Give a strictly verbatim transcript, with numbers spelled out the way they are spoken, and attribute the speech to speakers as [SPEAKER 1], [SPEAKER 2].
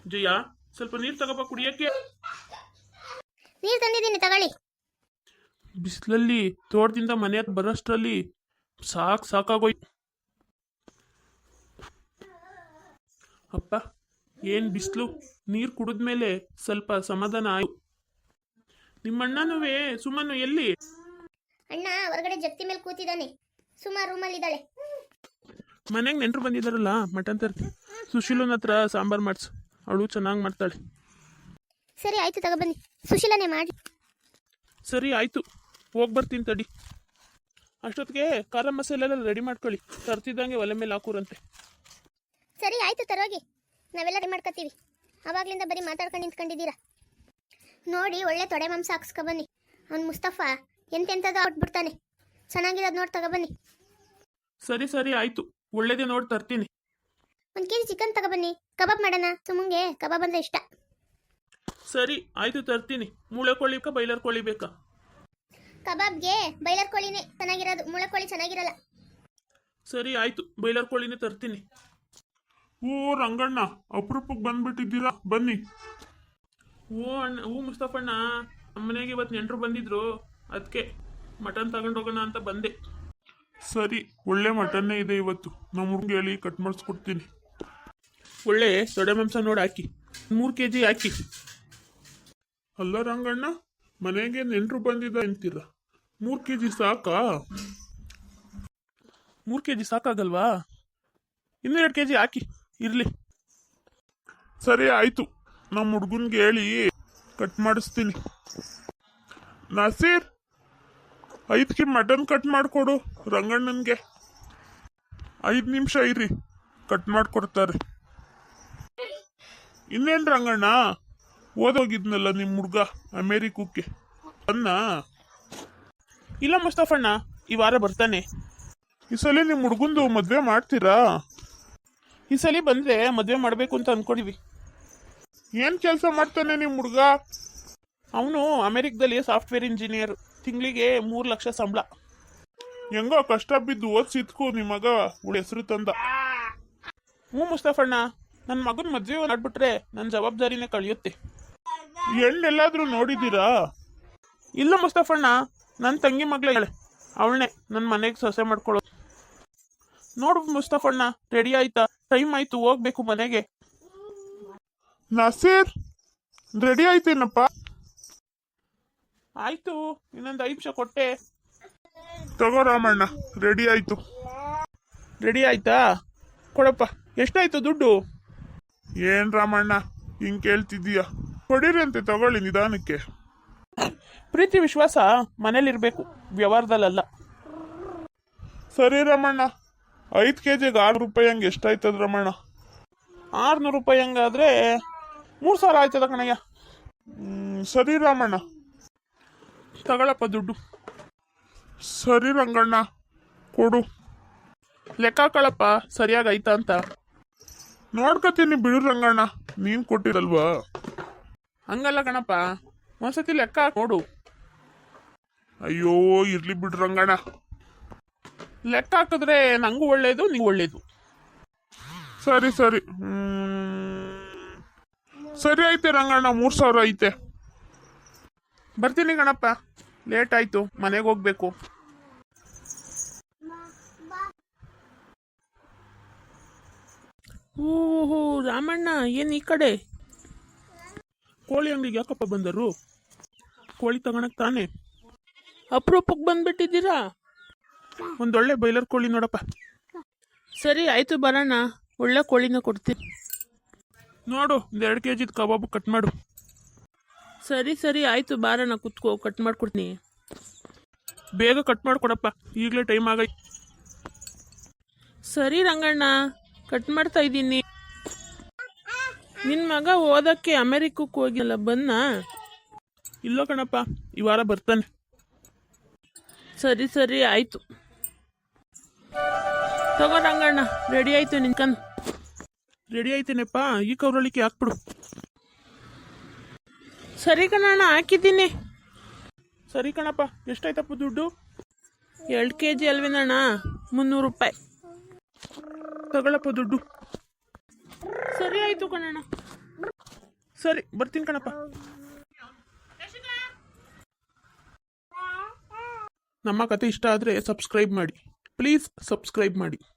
[SPEAKER 1] ಜಯ, ಸ್ವಲ್ಪ ನೀರು ತಗೋಬ ಕುಡಿಯಕ್ಕೆ.
[SPEAKER 2] ನೀರು ತಂದಿದ್ದೀನಿ ತಗೊಳ್ಳಿ.
[SPEAKER 1] ಬಿಸಿಲಲ್ಲಿ ತೋಟದಿಂದ ಮನೆ ಹತ್ರ ಬರೋಷ್ಟರಲ್ಲಿ ಸಾಕು ಸಾಕಾಗೋಯ್ತು. ಅಪ್ಪ, ಏನು ಬಿಸಿಲು. ನೀರು ಕುಡಿದ್ಮೇಲೆ ಸ್ವಲ್ಪ ಸಮಾಧಾನ ಆಯ್ತು. ನಿಮ್ಮಣ್ಣನೂ ಸುಮ್ಮನು ಎಲ್ಲಿ?
[SPEAKER 2] ಅಣ್ಣ ಹೊರಗಡೆ ಜತ್ತಿ ಮೇಲೆ ಕೂತಿದ್ದಾನೆ. ಸುಮಾ ರೂಮಲ್ಲಿದ್ದಾಳೆ.
[SPEAKER 1] ಮನೆಗೆ ನೆಂಟರು ಬಂದಿದ್ದಾರಲ್ಲ, ಮಟನ್ ತರ್ತಿ. ಸುಶೀಲನ ಹತ್ರ ಸಾಂಬಾರು ಮಾಡಿಸು, ಅವಳು ಚೆನ್ನಾಗಿ ಮಾಡ್ತಾಳೆ.
[SPEAKER 2] ಸರಿ ಆಯ್ತು, ತಗೊಬನ್ನಿ. ಸುಶೀಲನೇ ಮಾಡಿ.
[SPEAKER 1] ಸರಿ ಆಯ್ತು, ಹೋಗಿ ಬರ್ತೀನಿ ತಡಿ. ಅಷ್ಟೊತ್ತಿಗೆ ಖಾರ ಮಸಾಲೆ ಎಲ್ಲ ರೆಡಿ ಮಾಡ್ಕೊಳ್ಳಿ. ತರ್ತಿದ್ದಂಗೆ ಒಲೆ ಮೇಲೆ ಹಾಕೂರಂತೆ.
[SPEAKER 2] ಸರಿ ಆಯ್ತು, ತರೋಗಿ. ನಾವೆಲ್ಲ ರೆಡಿ ಮಾಡ್ಕೊತೀವಿ. ಆವಾಗ್ಲಿಂದ ಬರೀ ಮಾತಾಡ್ಕೊಂಡು ನಿಂತ್ಕೊಂಡಿದ್ದೀರಾ. ನೋಡಿ, ಒಳ್ಳೆ ತೊಡೆ ಮಾಂಸ ಹಾಕ್ಸ್ಕೊಬನ್ನಿ. ಅವ್ನು ಮುಸ್ತಫಾ ಎಂತೆಂಥದ್ದು ಆಟ್ಬಿಡ್ತಾನೆ. ಚೆನ್ನಾಗಿರೋದು ನೋಡಿ ತಗೊಬನ್ನಿ.
[SPEAKER 1] ಸರಿ ಸರಿ ಆಯ್ತು, ಒಳ್ಳೇದೇ ನೋಡಿ ತರ್ತೀನಿ.
[SPEAKER 2] ಒಂದು ಕೆ ಜಿ ಚಿಕನ್ ತಗೊಬನ್ನಿ, ಕಬಾಬ್ ಮಾಡೋಣ. ಸುಮ್ಮಂಗೆ ಕಬಾಬ್ ಅಂದರೆ ಇಷ್ಟ.
[SPEAKER 1] ಸರಿ ಆಯ್ತು, ತರ್ತೀನಿ. ಮೂಳೆ ಕೋಳಿ ಬೇಕಾ ಬೈಲರ್ ಕೋಳಿ ಬೇಕಾ?
[SPEAKER 2] ಕಬಾಬ್ಗೆ ಬೈಲರ್ ಕೋಳಿನೇ ಚೆನ್ನಾಗಿರೋದು, ಮೂಳೆ ಕೋಳಿ ಚೆನ್ನಾಗಿರಲ್ಲ.
[SPEAKER 1] ಸರಿ ಆಯ್ತು, ಬೈಲರ್ ಕೋಳಿನೇ ತರ್ತೀನಿ. ಓ ರಂಗಣ್ಣ, ಅಪರೂಪಕ್ಕೆ ಬಂದ್ಬಿಟ್ಟಿದ್ದೀರಾ, ಬನ್ನಿ. ಓ ಅಣ್ಣ, ಹೂ ಮುಸ್ತಫಣ್ಣ, ನಮ್ಮ ಮನೆಗೆ ಇವತ್ತು ನೆಂಟರು ಬಂದಿದ್ರು, ಅದಕ್ಕೆ ಮಟನ್ ತಗೊಂಡೋಗೋಣ ಅಂತ ಬಂದೆ. ಸರಿ, ಒಳ್ಳೆ ಮಟನ್ನೇ ಇದೆ ಇವತ್ತು. ನಮ್ಮ ಹುಡುಗ ಹೇಳಿ ಕಟ್ ಮಾಡಿಸ್ಕೊಡ್ತೀನಿ. ಒಳ್ಳೆ ತೊಡೆ ಮಾಂಸ ನೋಡಿ ಹಾಕಿ, ಮೂರು ಕೆ ಜಿ ಹಾಕಿ. ಅಲ್ಲ ರಂಗಣ್ಣ, ಮನೆಗೆ ನೆಂಟರು ಬಂದಿದ್ದ ಅಂತೀರ, ಮೂರು ಕೆ ಜಿ ಸಾಕಾ? ಮೂರು ಕೆ ಜಿ ಸಾಕಾಗಲ್ವಾ? ಇನ್ನೂ ಎರಡು ಕೆ ಜಿ ಹಾಕಿ, ಇರಲಿ. ಸರಿ ಆಯಿತು, ನಮ್ಮ ಹುಡುಗನ್ಗೆ ಹೇಳಿ ಕಟ್ ಮಾಡಿಸ್ತೀನಿ. ನಾಸೀರ್, ಐದು ಕೆ ಮಟನ್ ಕಟ್ ಮಾಡಿಕೊಡು ರಂಗಣ್ಣನಿಗೆ. ಐದು ನಿಮಿಷ ಇರಿ, ಕಟ್ ಮಾಡಿಕೊಡ್ತಾರೆ. ಇನ್ನೇನು ರಂಗಣ್ಣ, ಓದೋಗಿದ್ನಲ್ಲ ನಿಮ್ಮ ಹುಡುಗ ಅಮೇರಿಕಕ್ಕೆ, ಅನ್ನ? ಇಲ್ಲ ಮುಸ್ತಫಣ್ಣ, ಈ ವಾರ ಬರ್ತಾನೆ. ಈ ಸಲ ನಿಮ್ಮ ಹುಡುಗಂದು ಮದುವೆ ಮಾಡ್ತೀರಾ? ಈ ಸಲ ಬಂದರೆ ಮದುವೆ ಮಾಡಬೇಕು ಅಂತ ಅಂದ್ಕೊಂಡಿವಿ. ಏನು ಕೆಲಸ ಮಾಡ್ತಾನೆ ನಿಮ್ಮ ಹುಡುಗ? ಅವನು ಅಮೇರಿಕದಲ್ಲಿ ಸಾಫ್ಟ್ವೇರ್ ಇಂಜಿನಿಯರ್. ತಿಂಗಳಿಗೆ ಮೂರು ಲಕ್ಷ ಸಂಬಳ. ಹೆಂಗೋ ಕಷ್ಟ ಬಿದ್ದು ಓದಿಸಿದ್ಕು ನಿಮ್ಮ ಮಗ ಉಳ ಹೆಸರು ತಂದ. ಹ್ಞೂ ಮುಸ್ತಫಣ್ಣ, ನನ್ನ ಮಗನ ಮದುವೆ ಮಾಡ್ಬಿಟ್ರೆ ನನ್ನ ಜವಾಬ್ದಾರಿನೇ ಕಳೆಯುತ್ತೆ. ಹೆಣ್ಣೆಲ್ಲಾದ್ರೂ ನೋಡಿದ್ದೀರಾ? ಇಲ್ಲ ಮುಸ್ತಫಣ್ಣ, ನನ್ನ ತಂಗಿ ಮಗಳೇ, ಅವಳನ್ನೇ ನನ್ನ ಮನೆಗೆ ಸೊಸೆ ಮಾಡ್ಕೊಳ್ಳೋದು. ನೋಡು ಮುಸ್ತಫಣ್ಣ, ರೆಡಿ ಆಯ್ತಾ? ಟೈಮ್ ಆಯ್ತು, ಹೋಗ್ಬೇಕು ಮನೆಗೆ. ನಸೀರ್, ರೆಡಿ ಆಯ್ತೇನಪ್ಪ? ಆಯ್ತು, ಇನ್ನೊಂದು ಐದು ನಿಮಿಷ ಕೊಟ್ಟೆ. ತಗೋ ರಾಮಣ್ಣ, ರೆಡಿ ಆಯ್ತು. ರೆಡಿ ಆಯ್ತಾ? ಕೊಡಪ್ಪ. ಎಷ್ಟಾಯ್ತು ದುಡ್ಡು? ಏನ್ ರಾಮಣ್ಣ ಹಿಂಗ್ ಕೇಳ್ತಿದ್ದೀಯ? ಕೊಡಿರಂತೆ, ತಗೊಳ್ಳಿ ನಿಧಾನಕ್ಕೆ. ಪ್ರೀತಿ ವಿಶ್ವಾಸ ಮನೇಲಿರ್ಬೇಕು, ವ್ಯವಹಾರದಲ್ಲ. ಸರಿ ರಮಣ್ಣ, ಐದು ಕೆ ಜಿಗೆ ಆರು ರೂಪಾಯಿ ಹಂಗೆ ಎಷ್ಟಾಯ್ತದ ರಮಣ್ಣ? ಆರುನೂರು ರೂಪಾಯಿ ಹಂಗಾದ್ರೆ ಮೂರು ಸಾವಿರ ಆಯ್ತದ ಕಣಯ್ಯ. ಸರಿ ರಾಮಣ್ಣ, ತಗೊಳಪ್ಪ ದುಡ್ಡು. ಸರಿ ರಂಗಣ್ಣ, ಕೊಡು. ಲೆಕ್ಕ ಹಾಕಳಪ್ಪ ಸರಿಯಾಗಿ ಆಯ್ತಾ ಅಂತ. ನೋಡ್ಕೊತೀನಿ ಬಿಡು ರಂಗಣ್ಣ, ನೀನು ಕೊಟ್ಟಿರಲ್ವಾ? ಹಂಗಲ್ಲ ಕಣಪ್ಪ, ಒಂದ್ಸತಿ ಲೆಕ್ಕ ಹಾಕಿ ನೋಡು. ಅಯ್ಯೋ ಇರ್ಲಿ ಬಿಡು ರಂಗಣ್ಣ, ಲೆಕ್ಕ ಹಾಕಿದ್ರೆ ನಂಗೂ ಒಳ್ಳೇದು, ನೀವು ಒಳ್ಳೇದು. ಸರಿ ಸರಿ, ಸರಿ ಐತೆ ರಂಗಣ್ಣ, ಮೂರು ಸಾವಿರ ಐತೆ. ಬರ್ತೀನಿ ಕಣಪ್ಪ, ಲೇಟ್ ಆಯ್ತು, ಮನೆಗೆ ಹೋಗ್ಬೇಕು. ಓಹೋ ರಾಮಣ್ಣ, ಏನು ಈ ಕಡೆ? ಕೋಳಿ ಅಂಗಡಿಗೆ ಯಾಕಪ್ಪ ಬಂದರು? ಕೋಳಿ ತಗೊಳಕ್ ತಾನೆ? ಅಪರೂಪಕ್ಕೆ ಬಂದ್ಬಿಟ್ಟಿದ್ದೀರಾ? ಒಂದೊಳ್ಳೆ ಬೈಲರ್ ಕೋಳಿ ನೋಡಪ್ಪ. ಸರಿ ಆಯ್ತು, ಬರೋಣ. ಒಳ್ಳೆ ಕೋಳಿನ ಕೊಡ್ತೀನಿ. ನೋಡು, ಒಂದು ಎರಡು ಕೆ ಜಿದು ಕಬಾಬು ಕಟ್ ಮಾಡು. ಸರಿ ಸರಿ ಆಯ್ತು, ಬಾರಣ್ಣ, ಕುತ್ಕೋ, ಕಟ್ ಮಾಡ್ಕೊಡ್ತೀನಿ. ಬೇಗ ಕಟ್ ಮಾಡಿಕೊಡಪ್ಪ, ಈಗಲೇ ಟೈಮ್ ಆಗೈತೆ. ಸರಿ ರಂಗಣ್ಣ, ಕಟ್ ಮಾಡ್ತಾ ಇದ್ದೀನಿ. ನಿನ್ನ ಮಗ ಓದಕ್ಕೆ ಅಮೆರಿಕಕ್ಕೆ ಹೋಗಿಲ್ಲ, ಬನ್ನ? ಇಲ್ಲ ಕಣಪ್ಪ, ಈ ವಾರ ಬರ್ತಾನೆ. ಸರಿ ಸರಿ ಆಯ್ತು, ತಗೋ ರಂಗಣ್ಣ, ರೆಡಿ ಆಯ್ತು ನಿನ್ಕಂದು. ರೆಡಿ ಆಯ್ತೇನಪ್ಪ, ಈ ಕೌರಳಿಕೆ ಹಾಕ್ಬಿಡು. ಸರಿ ಕಣಣ್ಣ, ಹಾಕಿದ್ದೀನಿ. ಸರಿ ಕಣಪ್ಪ, ಎಷ್ಟಾಯ್ತಪ್ಪ ದುಡ್ಡು? ಎರಡು ಕೆ ಜಿ ಅಲ್ವೇನಣ್ಣ? ಮುನ್ನೂರು ರೂಪಾಯಿ. ತಗೊಳಪ್ಪ ದುಡ್ಡು. ಸರಿ ಆಯಿತು ಕಣಣ್ಣ. ಸರಿ ಬರ್ತೀನಿ ಕಣಪ್ಪ. ನಮ್ಮ ಕತೆ ಇಷ್ಟ ಆದರೆ ಸಬ್ಸ್ಕ್ರೈಬ್ ಮಾಡಿ, ಪ್ಲೀಸ್ ಸಬ್ಸ್ಕ್ರೈಬ್ ಮಾಡಿ.